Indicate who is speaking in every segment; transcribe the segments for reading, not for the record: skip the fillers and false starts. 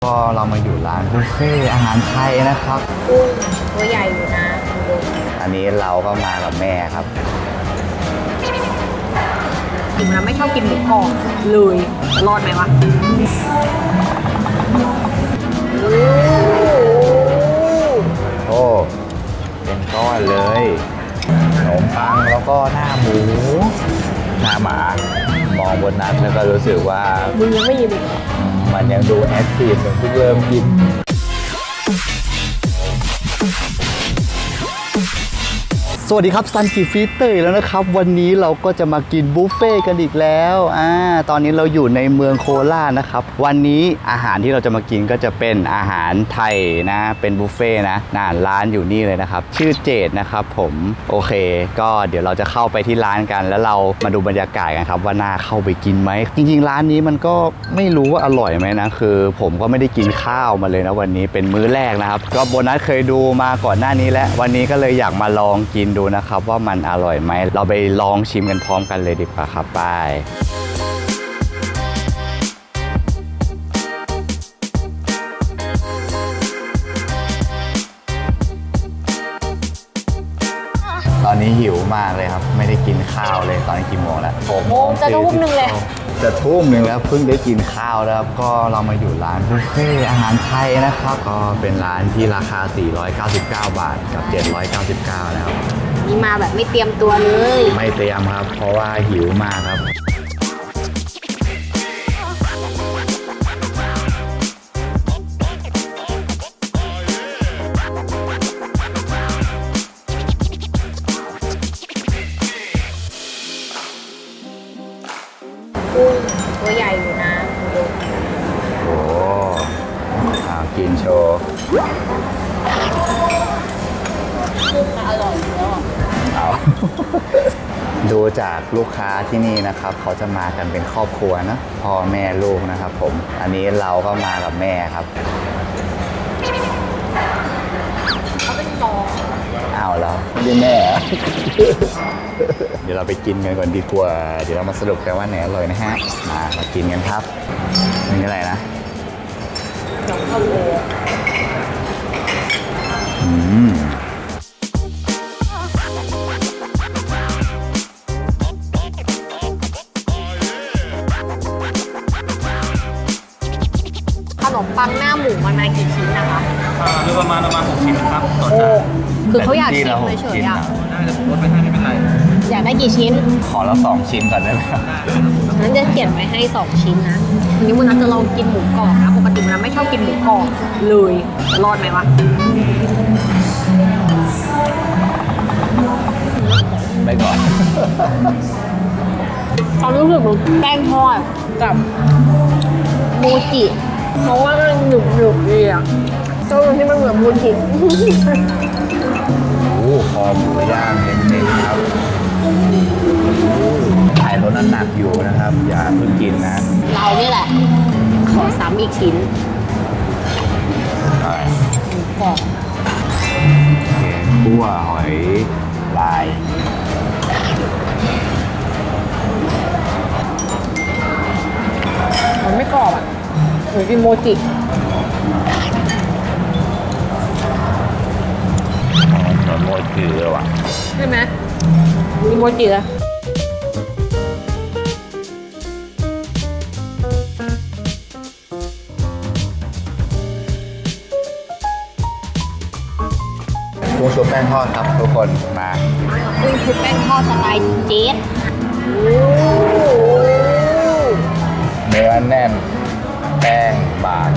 Speaker 1: ก็เรามาอยู่ร้านบุฟเฟ่อาหารไทยนะครับ
Speaker 2: กุ้งตัวใหญ่อยู่นะดู
Speaker 1: อันนี้เราก็มากับแม่ครับ
Speaker 2: ถึงเราไม่ชอบกินหมูกรอบเลยรอดไหมวะ
Speaker 1: โอ้เป็นก้อนเลยขนมปังแล้วก็หน้าหมูหน้าหมามองบนนั้นแล้วก็รู้สึกว่า
Speaker 2: มึงยังไม่ยินอีก
Speaker 1: มันยังดูแอคทีฟเหมือนเพิ่งเริ่มกินสวัสดีครับซันจิฟีเตอร์แล้วนะครับวันนี้เราก็จะมากินบุฟเฟ่กันอีกแล้วตอนนี้เราอยู่ในเมืองโคราชนะครับวันนี้อาหารที่เราจะมากินก็จะเป็นอาหารไทยนะเป็นบุฟเฟ่นะร้านอยู่นี่เลยนะครับชื่อเจดนะครับผมโอเคก็เดี๋ยวเราจะเข้าไปที่ร้านกันแล้วเรามาดูบรรยากาศกันครับว่าน่าเข้าไปกินไหมจริงๆร้านนี้มันก็ไม่รู้ว่าอร่อยไหมนะคือผมก็ไม่ได้กินข้าวมาเลยนะวันนี้เป็นมื้อแรกนะครับก็โบนัสเคยดูมาก่อนหน้านี้แล้ววันนี้ก็เลยอยากมาลองกินดูนะครับว่ามันอร่อยไหมเราไปลองชิมกันพร้อมกันเลยดีกว่าครับไปตอนนี้หิวมากเลยครับไม่ได้กินข้าวเลยตอนนี้กี่โมงแล้ว
Speaker 2: โมงจะทุ่มหนึ่งเลย
Speaker 1: จะทุ่มหนึ่งแล้วเพิ่งได้กินข้าวแล้วก็เรามาอยู่ร้านบุฟเฟ่อาหารไทยนะครับก็เป็นร้านที่ราคา499 บาทกับ799แล้ว
Speaker 2: นี่มาแบบไม่เตรียมตัวเลย
Speaker 1: ไม่เตรียมครับเพราะว่าหิวมากครับ
Speaker 2: กุ้งตัวใหญ่อยู่นะดู
Speaker 1: โอ้กินโชว์
Speaker 2: กุ้งอร่อยแล้ว
Speaker 1: เอาดูจากลูกค้าที่นี่นะครับเขาจะมากันเป็นครอบครัวนะพ่อแม่ลูกนะครับผมอันนี้เราก็มากับแม่ครับ
Speaker 2: เขาเป็นสอง
Speaker 1: เอาแล้วนี่แม่ เดี๋ยวเราไปกินกันก่อนดีกว่าเดี๋ยวเรามาสรุปกันว่าไหนอร่อยนะฮะมากินกันครับนี่อะไรนะ
Speaker 2: ข้าวโอ๊ขนมปังหน้าหมูมันมากี่ชิ้นนะคะ
Speaker 3: โดยประมาณ6 ชิ้นครับต่อจาน
Speaker 2: คือเขาอยากชิมเฉยๆอ่ะ
Speaker 3: ได้จะลดไปให้ไม่เป็นไร
Speaker 2: อยากได้กี่ชิ้น
Speaker 1: ขอเรา2 ชิ้นก่อนได้ไหมครับ
Speaker 2: งั้นจะเขียนไว้ให้2 ชิ้นนะวันนี้มุนัทจะลองกินหมูกรอบนะปกติมุนัทไม่ชอบกินหมูกรอบเลยรอดไหมวะ
Speaker 1: ไม่ก่อน
Speaker 2: ตอนรู้สึกเหมือนแป้งทอดกับโมจิเพราะว่ามันหนึบๆดีอ่ะก็ที่มันเหมือนโมจิ
Speaker 1: โอ้คอหมูย่างเน้นๆครับถ่ายรถน้ำหนักอยู่นะครับอย่าเพิ่งกินนะ
Speaker 2: เรานี่แหละขอซ้ำอีกชิ้นหมูกรอบ
Speaker 1: คั่วหอยลาย
Speaker 2: มันไม่กรอบอ่ะหรือกินโมจิ
Speaker 1: เหมือนโมจิเลยว่ะ
Speaker 2: ใช่ไหมมีโมจิเลย
Speaker 1: กุ้งชุบแป้งทอดครับทุกคนมา
Speaker 2: กุ้งชุบแป้งทอดสไตล์เจ๊
Speaker 1: เนื้อแน่นแป้งบาง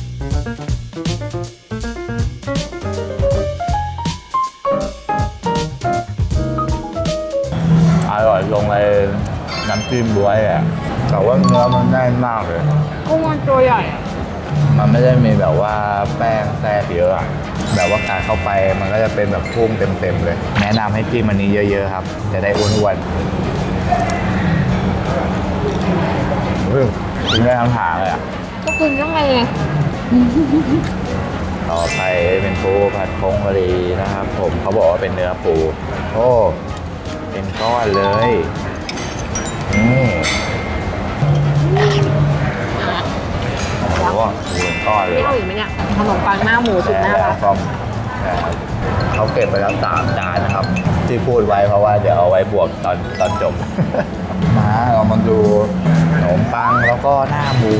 Speaker 1: อร่อยลงเลยน้ำจิ้มบ๊วยอ่ะแต่ว่าเนื้อมันแน่นมากเลย
Speaker 2: กุ้งมันตัวใหญ่
Speaker 1: มันไม่ได้มีแบบว่าแป้งแทรกเยอะอะแบบว่าการเข้าไปมันก็จะเป็นแบบพุ่งเต็มๆเลยแนะนำให้จิ้มอันนี้เยอะๆครับจะได้อ้วนๆกินได้ทั้งหางเลยอ่ะ
Speaker 2: ก็กินยังไง
Speaker 1: ต่อไปเป็นปูผัดผงกะหรี่นะครับผมเขาบอกว่าเป็นเนื้อปูโอ้เป็นก้อนเลยโอ้โหก้อนเล
Speaker 2: ไม่
Speaker 1: ย
Speaker 2: เอาอีกไหมเนี่ยขนมปังหน้าหมูสุดน่ารัก
Speaker 1: ก็เขาเก็บไปแล้ว3 จานนะครับ ที่พูดไว้เพราะว่าเดี๋ยวเอาไว้บวกตอนจบ มาเรามาดูขนมปังแล้วก็หน้าหมู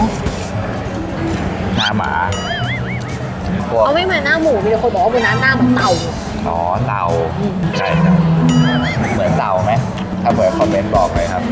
Speaker 1: หน้าหมาพวก
Speaker 2: เอาไม่เหมือนหน้าหมูมีแต่คนบอกว่าเป็นหน้าเหมือนเต่า
Speaker 1: อ๋อเต่าใช่ครับเหมือนเต่าไหมถ้าเหมือนคอมเมนต์บอกเลยครับ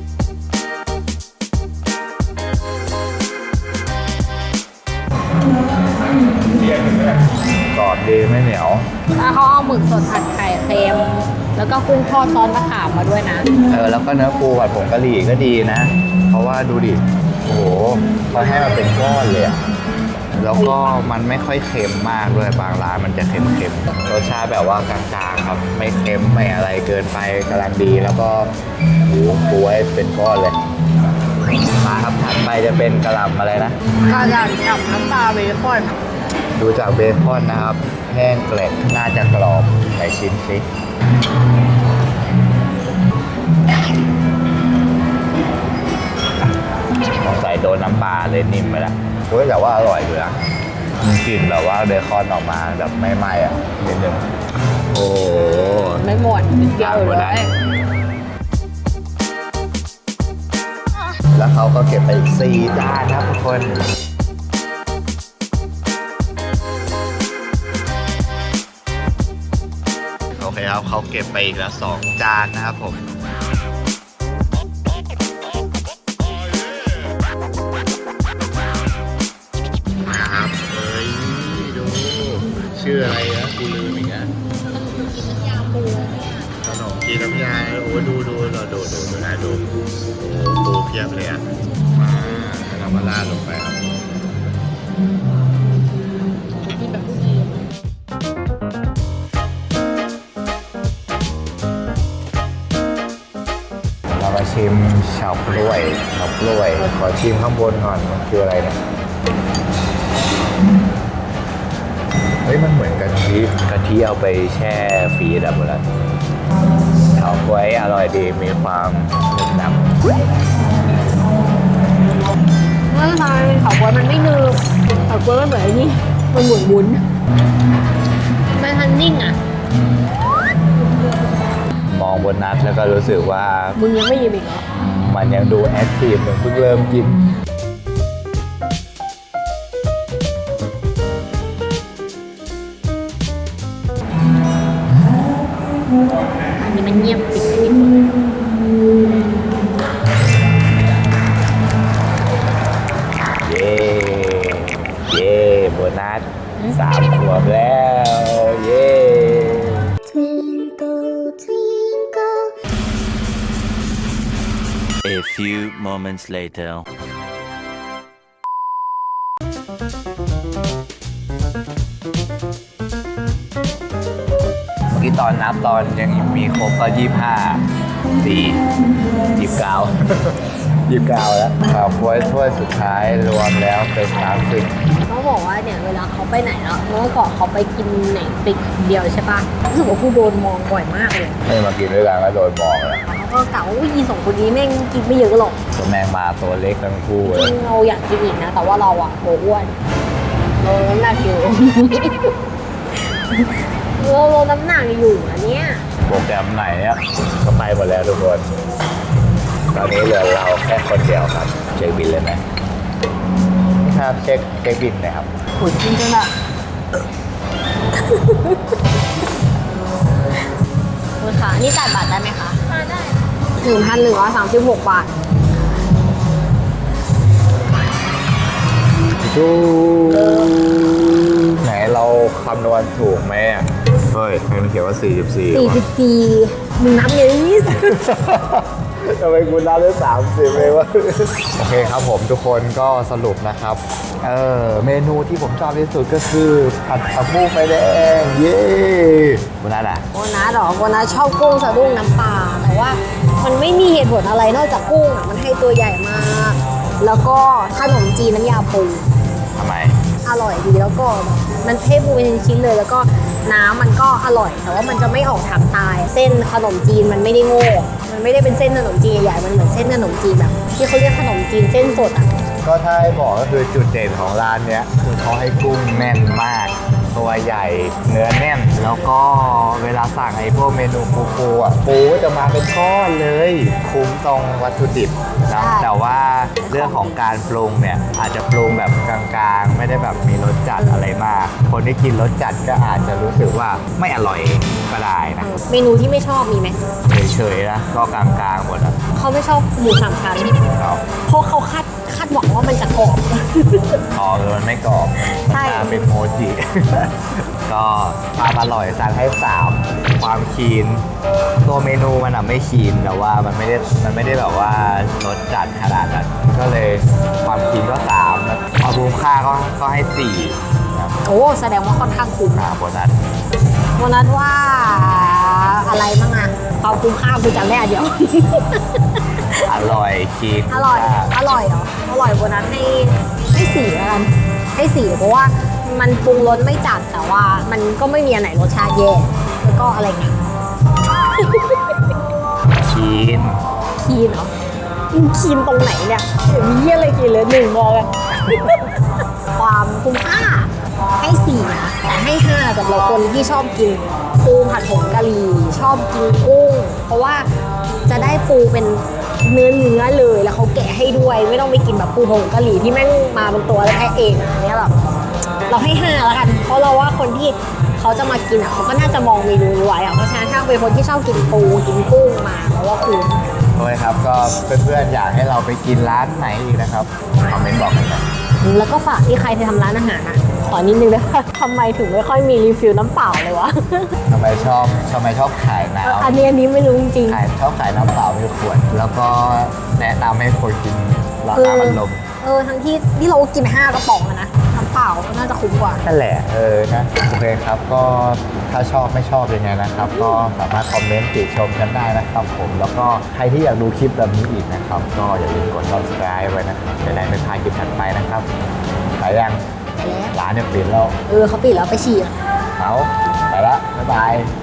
Speaker 1: กรอบดีไม่เหนียว
Speaker 2: ถ้าเขาเอาหมึกสดผัดไข่เค็มแล้วก็กุ้งทอดซอสมะขามมาด้วยนะ
Speaker 1: แล้วก็เนื้อปูผัดผงกะหรี่ก็ดีนะ เพราะว่าดูดิ โอ้โหเขาให้มาเป็นก้อนเลยอะแล้วก็มันไม่ค่อยเค็มมากด้วยบางร้านมันจะเค็มๆรสชาติแบบว่ากลางๆครับ ไม่เค็มไม่อะไรเกินไปกำลังดี แล้วก็ปูให้เป็นก้อนเลย มาครับถัดไปจะเป็นกะหล่ำอะไรนะ
Speaker 2: กระดาษกับน้ำปลาเบคอน
Speaker 1: ดูจากเบคอนนะครับ แห้งเกล็ดน่าจะกรอบไหนชิมสิสงสัยโดนน้ำปลาเลยนิ่มไปแล้วเฮ้ยแต่ว่าอร่อยอยู่นะมันกลิ่นแบบว่าเบคอนออกมาแบบไม่ไหม้อ่ะนิดนึงโอ้โห
Speaker 2: ไม่หมดนิดเดียวเลย
Speaker 1: แล้วเขาก็เก็บไปอีก4 จานครับทุกคน โอเคครับเขาเก็บไปอีกแล้ว2 จานนะครับผม มาครับเฮ้ยดูชื่ออะไรนะกูลืมอีกนะขนมจีนน้ำยาโอ้ดูเราดูนะดูโอ้ปูเพียบเลยอ่ะมาแล้วเรามาราดลงไปครับเรามาชิมเฉาก๊วยขอชิมข้างบนก่อนมันคืออะไรเนี่ยเฮ้ยมันเหมือนกะทิเอาไปแช่ฟรีซหมดแล้วเฉาก๊วยอร่อยดีมีความหนึบหนับ
Speaker 2: ไม่ใช่เฉาก๊วยมันไม่นึบเฉาก๊วยมันเหมือนไอ้นี่มันหมุนวุ้นไม่ทันนิ่งอ่ะ
Speaker 1: มองบนนัดแล้วก็รู้สึกว่า
Speaker 2: มึงยังไม่ยิ้มอีกเหรอ
Speaker 1: มันยังดูแอคทีฟเหมือนเพิ่งเริ่มกิน
Speaker 2: อันนี้มันเงียบปิด
Speaker 1: เย้เย้โบนัส3 ขวบแล้วเย้
Speaker 4: Twinkle, twinkle.
Speaker 5: A few moments later.
Speaker 1: เมื่อกี้ตอนนับตอนยังมีครบก็25 4 29 29 แล้วครับถ้วยสุดท้ายรวมแล้วเป็น30
Speaker 2: เขาบอกว่าเนี่ยเวลาเขาไปไหนแล้วเมื่อก่อนเขาไปกินไหนไปคนเดียวใช่ปะรู้สึกว่ากูโดนมองบ่อยมากเลย
Speaker 1: ไม่มากินด้วยกันก็โดนมองแล้ว
Speaker 2: เขาก็กล่าวว่ายีสองคนนี้แม่งกินไม่เยอะหรอก
Speaker 1: ตัวแมงมาตัวเล็กทั้งคู่เล
Speaker 2: จริ
Speaker 1: ย
Speaker 2: งเราอยากกินอีกนะ แต่ว่าเราอะโหอ้วนเราน้ำหนักอยู่ เราลดน้ำหนักอยู่อันเนี้ย
Speaker 1: โปรแกรมไหนเนี่ยก็ไปหมดแล้วทุกคน ตอนนี้เหลือเราแค่คนเดียวครับ เช็คบินเลยไหมครับเช็คบินนะครับ
Speaker 2: ขุนจริงจังอะคุณคะนี่จ่ายบัตรได้ไหมคะได้1,136 บาท
Speaker 1: จูไหนเราคำนวณถูกไหมอ่ะ เฮ้ยมันเขียนว่า 44
Speaker 2: 44มึงนับเยอะนิด
Speaker 1: ทำไมคุณนับได้30เลยวะ โอเคครับผมทุกคนก็สรุปนะครับ เมนูที่ผมชอบที่สุดก็คือผัดผักบุ้งไฟแดง เย้คุณนัทอ่ะ
Speaker 2: โบนัสหรอโบนัสชอบกุ้งสะดุ้งน้ำปลาแต่ว่ามันไม่มีเหตุผลอะไรนอกจากกุ้งอ่ะมันให้ตัวใหญ่มาก แล้วก็ขนมจีนน้ำยาปู
Speaker 1: ทำไม
Speaker 2: อร่อยดีแล้วก็มันเทปูเป็นชิ้นๆเลย แล้วก็น้ำมันก็อร่อย แต่ว่ามันจะไม่ออกทางตาย เส้นขนมจีนมันไม่ได้โง่มันไม่ได้เป็นเส้นขนมจีนใหญ่ๆมันเหมือนเส้นขนมจีนแบบ ที่เขาเรียกขนมจีนเส้นสดอ่ะ
Speaker 1: ก็ถ้าให้บอกก็คือจุดเด่นของร้านเนี้ยคือเขาให้กุ้งแน่นมาก ตัวใหญ่เนื้อแน่น แล้วก็เวลาสั่งไอ้พวกเมนูปูอ่ะปูก็จะมาเป็นก้อนเลยคุ้มตรงวัตถุดิบนะแต่ว่าเรื่องของการปรุงเนี่ยอาจจะปรุงแบบกลางๆ ไม่ได้แบบมีรสจัดอะไรมาก คนที่กินรสจัดก็อาจจะรู้สึกว่าไม่อร่อยก็ได้นะ
Speaker 2: เมนูที่ไม่ชอบมีไหม
Speaker 1: เฉยๆนะก็กลางๆหมดอ่ะ
Speaker 2: เขาไม่ชอบหมูสามชั้น
Speaker 1: ครับ
Speaker 2: เพราะเขาคาดหวังว่ามันจะกรอบ
Speaker 1: อ๋อมันไม่กรอบ
Speaker 2: ใช่
Speaker 1: มันมาเป็นโมจิ ก็ความอร่อยสั่งให้ 3 ความคีน ตัวเมนูมันไม่คีนแต่ว่ามันไม่ได้แบบว่ารสจัดขนาดนั้นก็เลยความคีนก็3แล้วความคุ้มค่าก็ให้4ครับ
Speaker 2: โอ้แสดงว่าค่อนข้างคุ้ม
Speaker 1: โบนัส
Speaker 2: วันนั้นว่าอะไรบ้างอะความคุ้มค่าคือจำได้อันเดียว
Speaker 1: อร่อยคีน
Speaker 2: อร่อยเหรออร่อยวันนั้นให้สี่แล้วกันให้สี่เพราะว่ามันปรุงรสไม่จัดแต่ว่ามันก็ไม่มีอันไหนรสชาติแย่แล้วก็อะไรเงี้ย
Speaker 1: คีน
Speaker 2: คีนเหรอคีนตรงไหนเนี่ยมีเยี่ยอะไรกินเลยหนึ่งบอกเลย ความคุ้มค่าให้สี่แต่ให้ห้าสำหรับคนที่ชอบกินปูผัดผงกะหรี่ชอบกินกุ้งเพราะว่าจะได้ปูเป็นเนื้อเลยแล้วเขาแกะให้ด้วยไม่ต้องไปกินแบบปูผงกะหรี่ที่แม่งมาเป็นตัวแล้วแค่เองอันเนี้ยแบบเราให้ห้าแล้วกันเพราะเราว่าคนที่เขาจะมากินอ่ะเขาก็น่าจะมองเมนูนี้ไว้อ่ะเพราะฉะนั้นถ้าเป็นคนที่ชอบกินปูกินกุ้งมาเพราะว่าคุ้ม
Speaker 1: โอเคครับก็เพื่อนๆอยากให้เราไปกินร้านไหนอีกนะครับคอมเมนต์บอกกันหน่อย
Speaker 2: แล้วก็ฝากที่ใครที่ทำร้านอาหารนะขอนิดนึงนะ ทำไมถึงไม่ค่อยมีรีฟิลน้ำเปล่าเลยวะ
Speaker 1: ทำไมชอบขายน้ำ
Speaker 2: อันนี้ไม่รู้จริง
Speaker 1: ชอบขายน้ำเปล่าในขวด แล้วก็แนะนำให้คนกินราคามันลม
Speaker 2: ทั้งที่เรากิน5 กระป๋องอะนะน้ำเปล่าก็น่าจะคุ้มกว่า
Speaker 1: นั่นแหละนะโอเคครับก็ถ้าชอบไม่ชอบยังไงนะครับ ก็สามารถคอมเมนต์ติชมกันได้นะครับผมแล้วก็ใครที่อยากดูคลิปแบบนี้อีกนะครับ ก็อย่าลืมกด subscribe ไว้นะครับจะได้ไม่พลาดคลิปถัดไปนะครับไปยัง
Speaker 2: ไปแล้ว
Speaker 1: ร้านเนี่ยปิดแล้ว
Speaker 2: เขาปิดแล้วไปฉี่
Speaker 1: เอาไปละบ๊ายบาย